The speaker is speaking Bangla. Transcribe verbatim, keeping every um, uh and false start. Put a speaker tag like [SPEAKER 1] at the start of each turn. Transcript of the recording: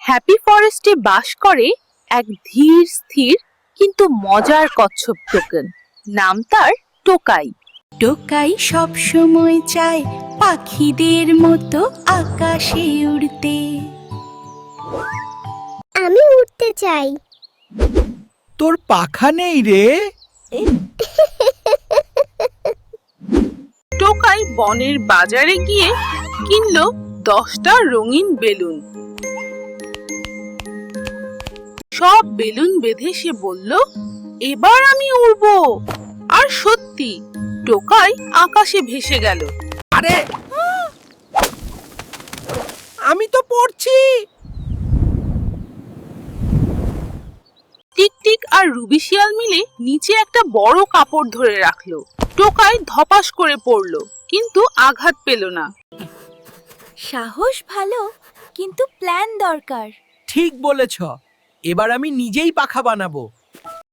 [SPEAKER 1] হ্যাপি ফরেস্টে বাস করে এক ধীর স্থির কিন্তু মজার কচ্ছপ টোকেন। নাম তার টোকাই।
[SPEAKER 2] টোকাই সব সময় চায় পাখিদের মতো আকাশে উড়তে।
[SPEAKER 3] আমি উঠতে চাই।
[SPEAKER 4] তোর পাখা নেই রে।
[SPEAKER 1] টোকাই বনের বাজারে গিয়ে কিনলো দশটা রঙিন বেলুন। সব বেলুন বেঁধে সে বলল, এবার আমি উড়বো। আর সত্যি টোকাই আকাশে ভেসে গেল।
[SPEAKER 4] আরে আমি তো পড়ছি।
[SPEAKER 1] টিকটিক আর রুবি শিয়াল মিলে নিচে একটা বড় কাপড় ধরে রাখলো। টোকাই ধপাস করে পড়লো, কিন্তু আঘাত পেল না।
[SPEAKER 2] সাহস ভালো, কিন্তু প্ল্যান দরকার।
[SPEAKER 4] ঠিক বলেছ, এবার আমি নিজেই পাখা বানাবো।